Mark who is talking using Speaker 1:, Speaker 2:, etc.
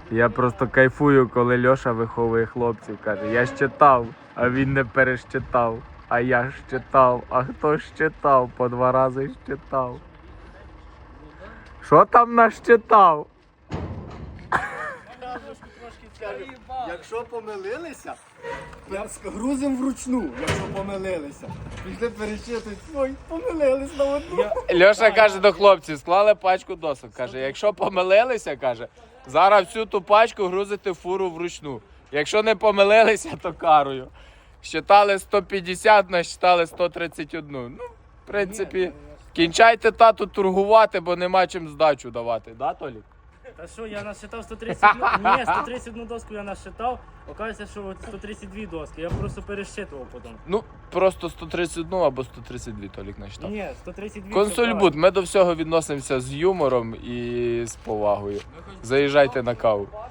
Speaker 1: Я просто кайфую, коли Льоша виховує хлопців. Каже, я щитав, а він не перещитав. А я щитав, а хто щитав? По 2 рази щитав. Що там нащитав?
Speaker 2: Якщо помилилися, грузимо вручну, якщо помилилися. Пішли перечитують, ой, помилились на одну.
Speaker 1: Льоша каже до хлопців, склали пачку досок. Каже, якщо помилилися, каже, зараз всю ту пачку грузите в фуру вручну. Якщо не помилилися, то карою. Щитали 150, насчитали 131. Ну, в принципі, кінчайте тату торгувати, бо нема чим здачу давати. Да, Толік?
Speaker 3: Та що, я насчитав 131, ні, 131 доску я насчитав, оказується, що 132 доски, я просто пересчитував потім.
Speaker 1: Ну, просто 131 або 132 Толік насчитав.
Speaker 3: Ні, 132.
Speaker 1: Консульбуд, ми до всього відносимося з юмором і з повагою. Заїжджайте на каву.